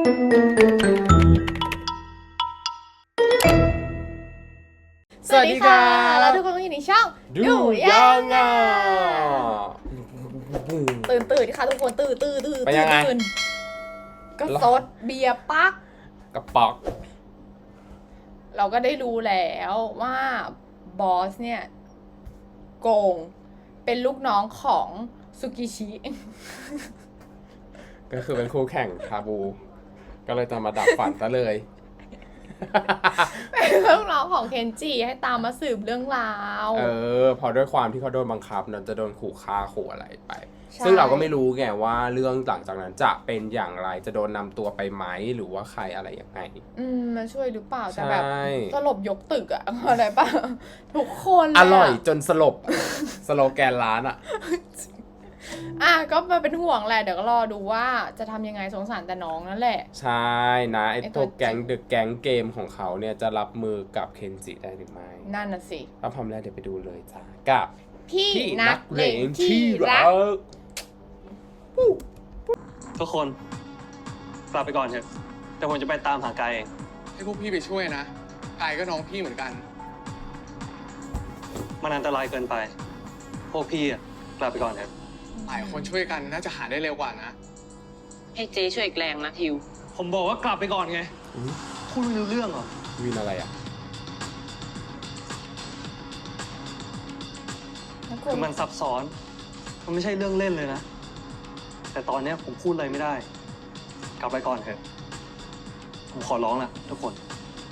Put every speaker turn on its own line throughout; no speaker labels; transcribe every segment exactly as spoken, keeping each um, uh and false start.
สวัสดีค่ะแล้วทุกคนก็อยู่ในช่องดูยังไงตื่นตื่นค่ะทุกคนตื่นตื่นตื่นตื่นก็ซดเบียร์ปัก
กระป๋อง
เราก็ได้รู้แล้วว่าบอสเนี่ยโกงเป็นลูกน้องของซุกิชิ
ก็คือเป็นคู่แข่งคาบูก็เลยจะมาดับฝันซะเลย
เป็นลูกน้องของเคนจิให้ตามมาสืบเรื่องราว
เออพอด้วยความที่เขาโดนบังคับนั้นจะโดนขู่ฆ่าขู่อะไรไปซึ่งเราก็ไม่รู้ไงว่าเรื่องหลังจากนั้นจะเป็นอย่างไรจะโดนนำตัวไปไหมหรือว่าใครอะไรยังไง
อืมมาช่วยหรือเปล่าแต่แบบสลบยกตึกอะอะไรป่ะทุกคน
อร่อยจนสลบสโลแกนร้านอะ
อ่ะก็มาเป็นห่วงแหละเดี๋ยวก็รอดูว่าจะทำยังไงสงสารแต่น้องนั่นแหละ
ใช่นะไอ้ตัวแก๊งเดอะแก๊งเกมของเขาเนี่ยจะรับมือกับเคนจิได้หรือไม่
นั่นน่ะสิ
ถ้าพร้อมแล้วเดี๋ยวไปดูเลยจ้ากับ
พี่นักเลงที่รัก
ทุกคนกลับไปก่อนเถอะแต่ผมจะไปตามหากายเอง
ให้พวกพี่ไปช่วยนะกายก็น้องพี่เหมือนกัน
มันอันตรายเกินไปพวกพี่อะกลับไปก่อนเถอะ
หลายคนช่วยกันน่าจะหาได้เร็วกว่านะ
ให้เจ๊ช่วยอีกแรงนะทิว
ผมบอกว่ากลับไปก่อนไงพูดไม่รู้เรื่องเหรอ
วินอะไรอ่ะ
คือมันซับซ้อนมันไม่ใช่เรื่องเล่นเลยนะแต่ตอนนี้ผมพูดอะไรไม่ได้กลับไปก่อนเถอะผมขอร้องละทุกคน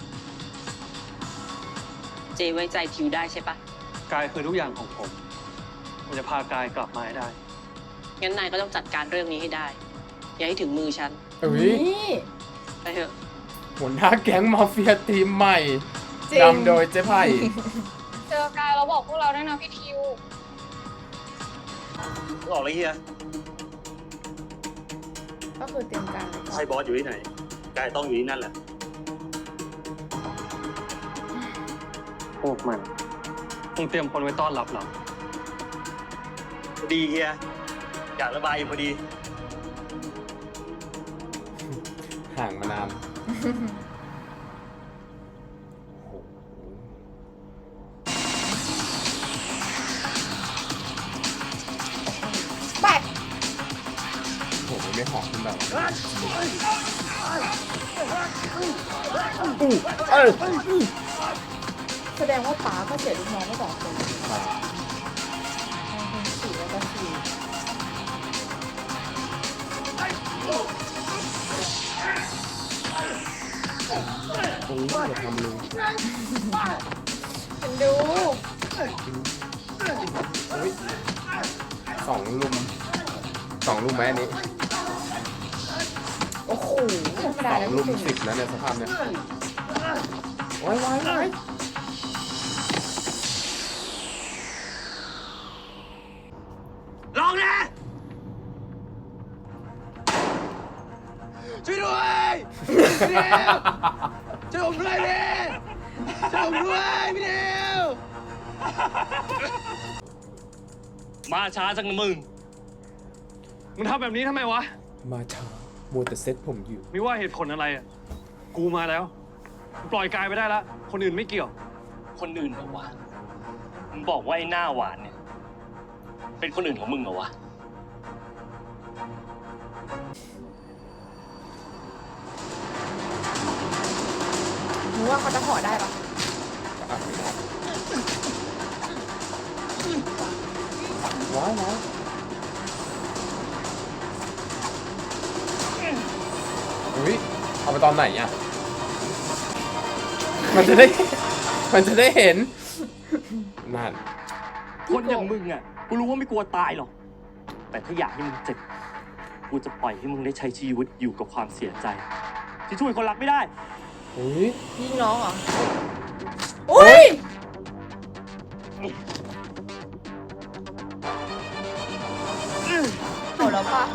เจ๊ไว้ใจทิวได้ใช่ปะ
กายคือทุกอย่างของผมผมจะพากายกลับมาให้ได้
งั้นนายก็ต้องจัดการเรื่องนี้ให้ได้อย่าให้ถึงมือฉัน
เฮ้ย
ไปเถอะ
หัวหน้าแก๊งมาเฟียทีมใหม่นำโดยเจ๊ไผ่
เจอกายเราบอกพวกเราด้วยนะพี่ทิว
ออกเลยเฮีย
ก็คือเตรียมการ
ใช่บอสอยู่ที่ไหนกายต้องอยู่ที่นั่นแหละพวกมันคงเตรียมคนไว้ต้อนรับเราดีเฮียอยากระบายอยู่พอดี
ห่างมานาน
ไป
โหไม่หอมขึ้นแบบ
แสดงว่าป๋าก็เสียลูกน้องไม่บอกคนสี่แล้วก็สี่
โอ้ยอย่าทำลุง
ฉันดู
สองลุมสองลุมไหมอันนี้
โอ้โหธรรมดาแล้ว
ลุมสิบแล้วเนี่ยสภาพเนี่ยโอ้ยว้ายว้าย
ลองนะช่วยด้วยพี่เดียวช่วยผมด้วยพี่ช่วยผมด้วยพี่เดียวมาช้าจังนะมึงมึงทำแบบนี้ทำไมวะ
มาช้ามัวแต่เซ็ตผมอยู่
ไม่ว่าเหตุผลอะไรอ่ะกูมาแล้วปล่อยกายไปได้แล้วคนอื่นไม่เกี่ยว
คนอื่นเหรอวะมึงบอกว่าไอ้หน้าหวานเนี่ยเป็นคนอื่นของมึงเหรอวะ
มึงว่าเขาจะห่อได้ปะ
ว้ายว้ายอุ้ยเอาไปตอนไหนอ่ะมันจะได้มันจะได้เห็นนั่น
คนอย่างมึงอ่ะกูรู้ว่าไม่กลัวตายหรอกแต่ถ้าอยากให้มึงเจ็บกูจะปล่อยให้มึงได้ใช้ชีวิตอยู่กับความเสียใจที่ช่วยคนรักไม่ได้
อุ้ย
ยิงน้องเหรออุ้ยเอาแล้วปะ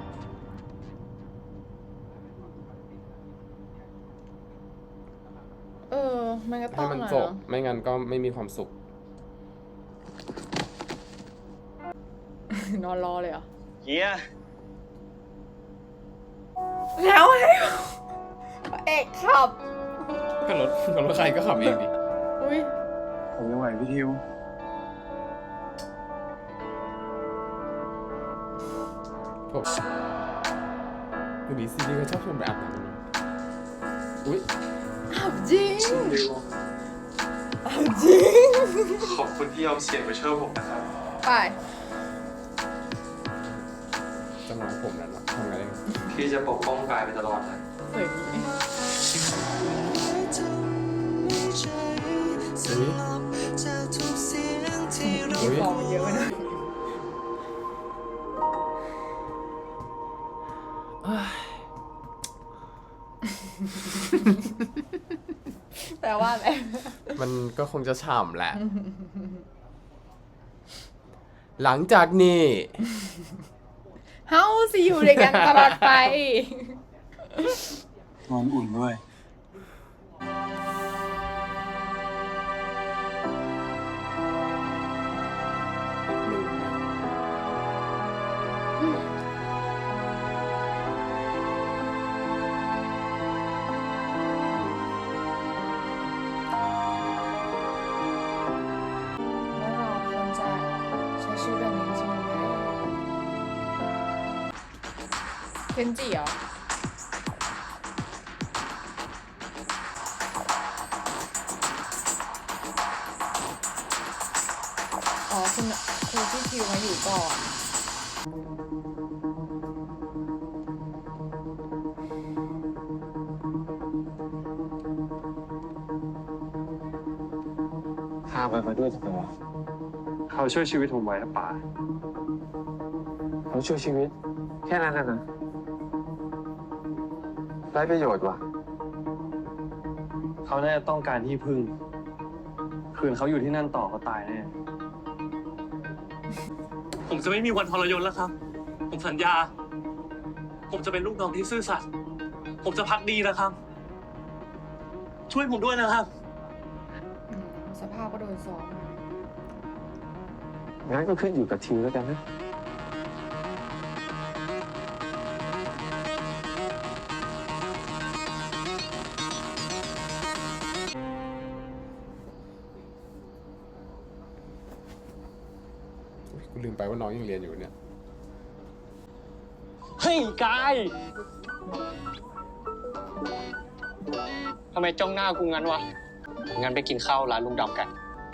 เออมันก็ต้อง
ให้มันจบไม่งั้นก็ไม่มีความสุข
นอนรอเลยเหรอ
เฮีย
แล้วให้พระเอกขับ
ก็รถก็รถใครก็ขับเองดิ
อุ้ย
ผมยังไหวพี่ทิว
ผมวันนี้ซีรีส์เขาชอบชวนไปอาบน้ำนะอุ้ย
อาบจริงอาบจริง
ขอบคุณที่ยอมเสี่ยงไปช่วยผมนะครับ
ไป
จังหวะผมนั้นทำไงได้
พี่จะปกป้องกายไปตลอดนะ
เฮ้ย
อุ้ยอุ้ย
บอกมันเยอะไปหน่อยแปลว่าอะไร
มันก็คงจะฉ่ำแหละ หลังจากนี้
เฮาสิอยู่ด้วยกันตลอดไป
นอนอุ่นด้วย
ลืมนะ
ว่าเราควรจะใช้ชีวิตแบบนี้จริงไหมเคนจิเหรอ อ๋อคุณคุณพี่คิวมาอยู่ก่อน
พาไปมาด้วยจะเป็นไรเขาช่วยชีวิตผมไว้นะป๋าเขาช่วยชีวิต แค่นั้นนะนะไร้ประโยชน์ว่ะ เขาน่าจะต้องการที่พึ่ง คืนเขาอยู่ที่นั่นต่อเขาตายแน่
ผมจะไม่มีวันทรยศแล้วครับ ผมสัญญา ผมจะเป็นลูกน้องที่ซื่อสัตย์ผมจะพักดีนะครับ ช่วยผมด้วยนะครับ
อืมสภาพก็โดนซ้อมมา
งั้นก็ขึ้นอยู่กับทิวแล้วกันนะ
อุ๊ยกูลืมไปว่าน้องยังเรียนอยู่เนี่ย
เฮ้ยกายทำไมจ้องหน้ากูงั้นวะ งั้นไปกินข้าวร้านลุงดำกัน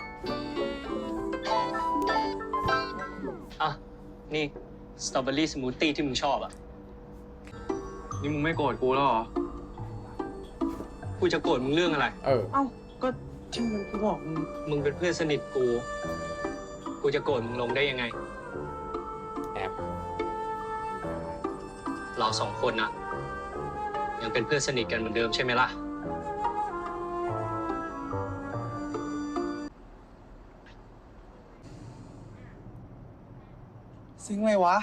อ่ะ นี่สตรอเบอรี่สมูทตี้ที่มึงชอบอ่ะ
นี่มึงไม่โกรธกูแล้วเหรอ
กูจะโกรธมึงเรื่องอะไร
เออ
เอ้า ก็ที่มึงกูบอกมึงมึงเป็นเพื่อนสนิทกู กูจะโกรธมึงลงได้ยังไง
แอบ
เราสองคนนะยังเป็นเพื่อนสนิทกันเหมือนเดิมใช่ไหมล่ะ
ซึ้งเลยวะ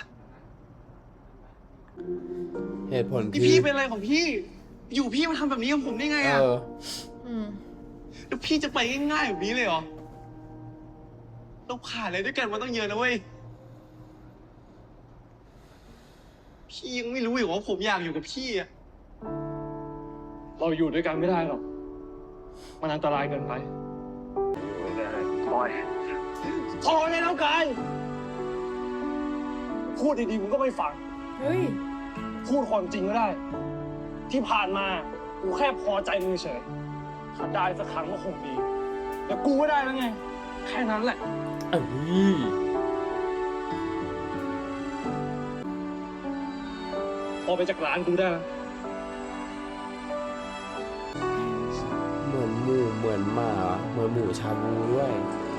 เหตุผล
นี่
คือ
พี่เป็นอะไรของพี่ อยู่พี่มาทำแบบนี้กับผมได้ไง
เอ
อะ
อ
อืม
แล้วพี่จะไปง่ายๆแบบนี้เลยเหรอ เราผ่านอะไรด้วยกันมาต้องเยอะนะเว้ย พี่ยังไม่รู้อีกว่าผมอยากอยู่กับพี่อะ
เราอยู่ด้วยกันไม่ได้หรอก มันอันตรายเกินไปปล่อยพอได้แล้วกาย พูดดีๆมึงก็ไม่ฟัง
เฮ้ย
พูดความจริงก็ได้ ที่ผ่านมากูแค่พอใจมึงเฉยถ้าได้สักครั้งก็คงดีแต่กูก็ได้แล้วไง แค่นั้นแหละ
เอ้ย
พอไปจากร้านกูได้แล้ว
เหมือนหมูเหมือนหมา เหมือนหมูชาบูด้วย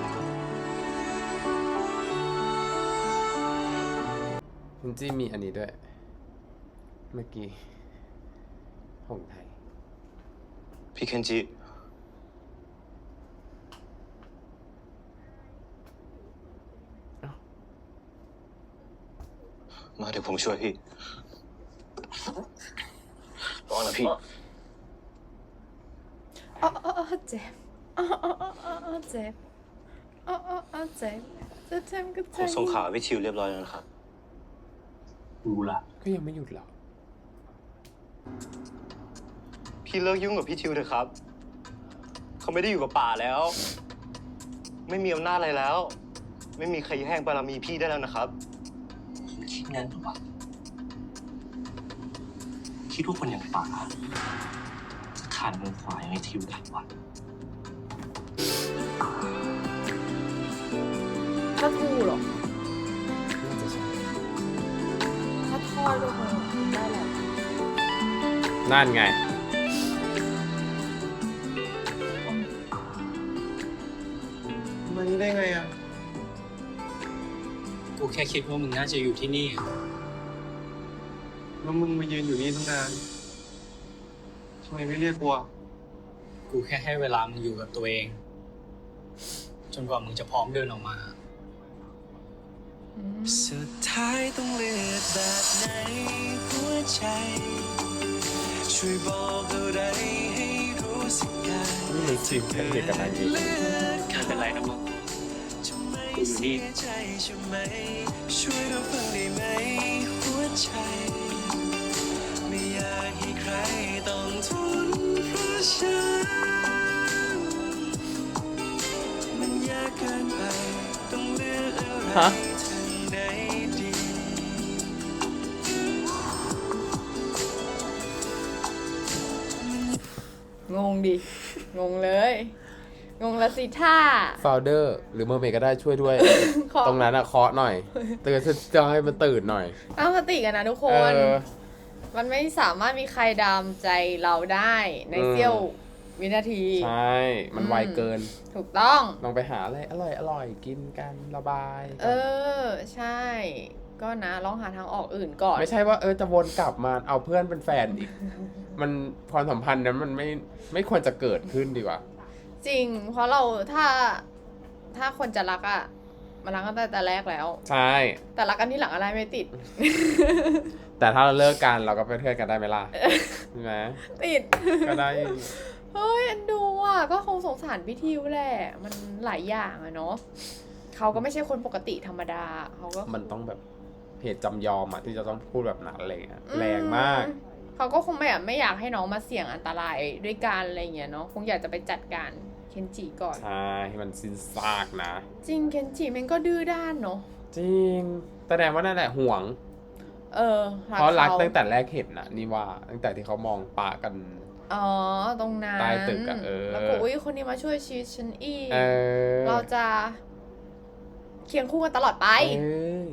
คุณจี้มีอันนี้ด้วย เมื่อกี้ของไทย
พี่เคนจิมาเดี๋ยวผมช่วยพี่ร้อนนะพี่
อ๋ออ๋ออ๋อเจ็บอ๋ออ๋ออ๋ออ๋อเจ็บอ๋ออ๋ออ๋อเจ็บจะเจ็บก็
ผ
เจ็
ม
บ
ส่งข่าวให้พี่ทิวเรียบร้อยแล้วนะครับ
กูละ
ก็ยังไม่หยุดหรอก
พี่เลิกยุ่งกับพี่ทิวเถอะครับ เขาไม่ได้อยู่กับป่าแล้ว ไม่มีอำนาจอะไรแล้ว ไม่มีใครแย่งบารมีพี่ได้แล้วนะครับ
คิดงั้นหรอวะคิดว่าคนอย่างป่าจะขาดมือขวาอย่างไอ้ทิวได้วะ
ถ้ากูหรอ
น่าจะใช่
ถ้าทอดก็คงได้แหละ
นั่นไง
มานี่ได้ไงอะ
กูแค่คิดว่ามึงน่าจะอยู่ที่นี่
แล้วมึงมายืนอยู่นี่ตั้งนานทำไมไม่เรียกกูอะ
กูแค่ให้เวลามึงอยู่กับตัวเอง จนกว่ามึงจะพร้อมเดินออกมา
อืม
สุดท้ายต้องเลือกแบบไหนหัวใจ ช่วยบอกอะไรให้รู้สึกกัน
นี่มันจีบเทคนิคกับนางเอก
เลือก
ไม่เป็นไรนะมึง
จะไม่เสียใจใช่ไหมช่วยรับฟังได้ไหมหัวใจ ไม่อยากให้ใครต้องทนเพราะฉันมันยากเกินไปต้องเลือกอะไร
ฮะ
ทางไหนดี
งงดิ งงเลย งงละสิท่า
ฟาวเดอร์หรือเมอร์เมดก็ได้ช่วยด้วย
ขอ
ตรงนั้นอะเคาะหน่อยเตือนจะให้มันตื่นหน่อย
ตั้งสติกันนะทุกค
เอน อ
มันไม่สามารถมีใครดามใจเราได้ใน
อืม
เสี้ยววินาที
ใช่ มันไวเกิน
ถูกต้อง
ลองไปหาอะไรอร่อยอร่อยกินกันระบาย
เออ ใช่ ก็นะลองหาทางออกอื่นก่อน
ไม่ใช่ว่าเออจะวนกลับมาเอาเพื่อนเป็นแฟนอีก มันความสัมพันธ์นั้นมันไม่ไม่ควรจะเกิดขึ้นดีกว่า
จริง เพราะเราถ้าถ้าคนจะรักอะมันรักกันตั้งแต่แรกแล้ว
ใช่
แต่รักกันที่หลังอะไรไม่ติด
แต่ถ้าเราเลิกกันเราก็เป็นเพื่อนกันได้ไหมล่ะใช่ไหม
ติด
ก็ได้
เฮ้ยเอ็นดูอ่ะก็คงสงสารพี่ทิวแหละ มันหลายอย่างอะเนาะเขาก็ไม่ใช่คนปกติธรรมดาเขาก็
มันต้องแบบเหตุจำยอมอะที่จะต้องพูดแบบนั้นอะไรเงี้ย
อื
แรงมาก
เขาก็คงไม่อยากไม่อยากให้น้องมาเสี่ยงอันตรายด้วยกันอะไรเงี้ยเนาะคงอยากจะไปจัดการเคนจิก่อน
ใช่ให้มันสิ้นซากนะ
จริงเคนจิมันก็ดื้อด้านเนาะ
จริงแสดงว่านั่นแหละห่วง
เออ
เพราะรัก
ข
ตั้งแต่แรกเห็นนะนี่ว่าตั้งแต่ที่เขามองปะกัน
อ๋อตรงนั้น
ใต้ตึกอะเออ
แล้วก็อุ้ยคนนี้มาช่วยชีวิตฉันอีก
เออ
เราจะเคียงคู่กันตลอดไป
เออ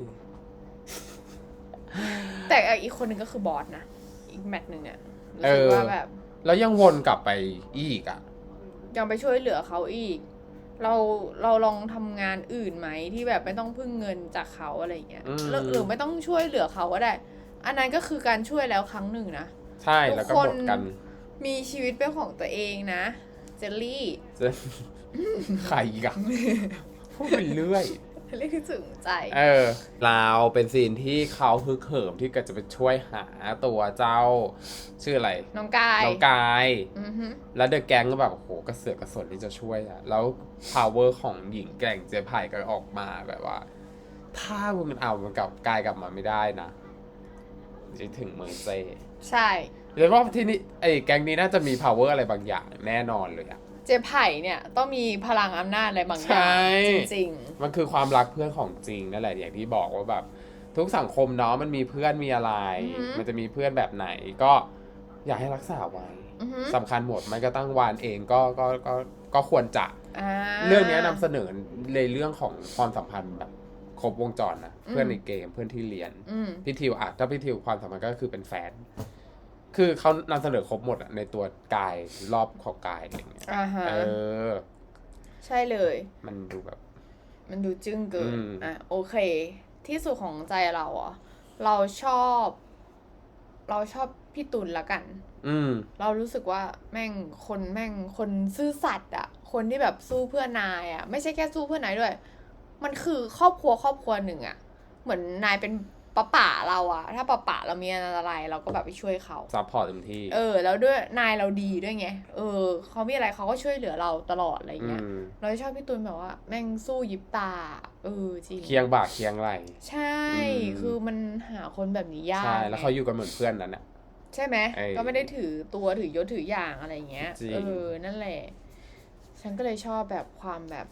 แต่อีกคนหนึ่งก็คือบอสนะ อีกแมตช์หนึ่งเนี่ยรู้
เอ
สึก
อ
ว่าแบบ
แล้วยังวนกลับไปอีกอ่ะ
ยังไปช่วยเหลือเขาอีก เราเราลองทำงานอื่นไหมที่แบบไม่ต้องพึ่งเงินจากเขาอะไรอย่างเงี้ย
อืม
หรือหรือไม่ต้องช่วยเหลือเขาก็ได้ อันนั้นก็คือการช่วยแล้วครั้งหนึ่งนะ
ใช่แล้วก็หมดกัน
มีชีวิตเป็นของตัวเองนะเจลลี่
จะใครอีกอะพูดไปเรื่อย
เรียกถึงใจ
เออเราเป็นซีนที่เขาฮึกเหิมที่ก็จะไปช่วยหาตัวเจ้า ชื่ออะไร
น้องกาย
น้องกาย
อือฮึ
แล้วเดอะแก๊งก็แบบโอ้โหกระเสือกกระสนที่จะช่วยอะแล้ว power ของหญิงแกร่งเจ๊ไผ่ก็ออกมาแบบว่า ถ้ามึงเอามันกลับกายกลับมาไม่ได้นะจะถึงเมอร์เซ่
ใช่
เลยว่าที่นี่ไอ้แก๊งนี้น่าจะมี power อะไรบางอย่างแน่นอนเลยอะ
เจไผ่เนี่ยต้องมีพลังอำนาจอะไรบางอย่าง
ใช่
จริง
มันคือความรักเพื่อนของจริงนั่นแหละอย่างที่บอกว่าแบบทุกสังคมเนาะมันมีเพื่อนมีอะไร
อือหือ
มันจะมีเพื่อนแบบไหนก็อยากให้รักษาไว้
อือฮึ
สำคัญหมดไม่ก็ตั้งวานเองก็ก็ก็ก็ควรจะ
อ่า
เรื่องนี้นำเสนอในเรื่องของความสัมพันธ์แบบครบวงจรนะ
อืม
เพื่อนในเกมเพื่อนที่เรียน
อืม
พี่ทิวอ่ะถ้าพี่ทิวความสัมพันธ์ก็คือเป็นแฟน คือเขานำเสนอครบหมดอะในตัวกายรอบของกายอะไรเงี้ย
อ่าฮะ
เออ
ใช่เลย
มันดูแบบ
มันดูจึ้งเกิน
อืม
อ่ะโอเค ที่สุดของใจเราอ่ะ เราชอบ เราชอบพี่ตุลละกัน
อืม
เรารู้สึกว่าแม่งคนแม่งคนซื่อสัตย์อ่ะ คนที่แบบสู้เพื่อนายอ่ะ ไม่ใช่แค่สู้เพื่อนายด้วย มันคือครอบครัวครอบครัวหนึ่งอ่ะ เหมือนนายเป็นป้าป่าเราอ่ะ ถ้าป้าป่าเรามีอะไรเราก็แบบไปช่วยเขา
ซัพพอร์ตเต็มที่
เออ แล้วด้วยนายเราดีด้วยไง เออเขามีอะไรเขาก็ช่วยเหลือเราตลอดอะไรเงี้ย
อืม
เราชอบพี่ตูนแบบว่า แม่งสู้ยิบตา เออจริง
เคียงบ่าเคียงไหล
ใช่
อืม
คือมันหาคนแบบนี้ยาก
ใช่ แล้วเขา
ไง
อยู่กันเหมือนเพื่อนนั้นน่ะ
ใช่ไหม
เออ
ก็ไม่ได้ถือตัวถือยศถืออย่างอะไรอย่างเงี้ย
จริง
เออนั่นแหละ ฉันก็เลยชอบแบบความแบบ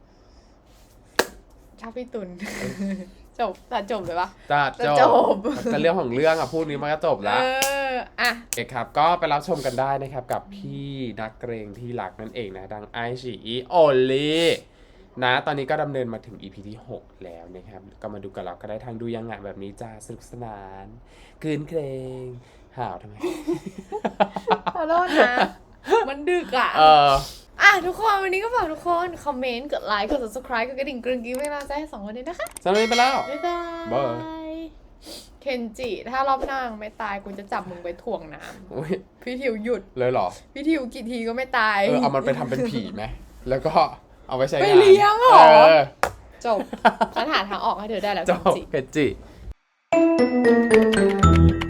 ชอบพี่ตุล จบตัดจบเลยปะ
จะ
จะ
จ
จ
บบ แต่เรื่องของเรื่องอะพูดนี้มันก็จบ
เอ
แล้ว
ออ่ะ
โอเคครับ ก็ไปรับชมกันได้นะครับ กับพี่นักเกรงที่รักนั่นเองนะดังไอชีอีโอลีนะ ตอนนี้ก็ดำเนินมาถึง อี พี ที่ หก แล้วนะครับ ก็มาดูกันเราก็ได้ทางดูยังไงแบบนี้จ้าสนุกสนานคืนเครงห่าวทำไม
ขอโทษนะ มันดึกอ่ะ
เออ
อ่ะ ทุกคนวันนี้ก็ฝากทุกคน คอมเมนต์ กดไลค์ กด subscribe กดกระดิ่งกรึงกิ้งให้เราใจให้สองคนนี้นะคะ
สำหรับวันนี้ไปแล้ว
บ๊ายบา
บ๊าย
ย เคนจิ ถ้ารอบหน้ามึงไม่ตาย กูจะจับมึงไปถ่วงน้
อุ๊ย
ำพี่ทิวหยุด
เลยเหรอ
พี่ทิวกี่ทีก็ไม่ตาย
เออ เอามันไปทำเป็นผีไหม แล้วก็เอาไปใช้งาน
ไปเลี้ยงเหรอ
เออ
จบ ฉันหาทางออกให้เธอได้แล้ว
จ
เคน
บ
จิ
เพชรจิ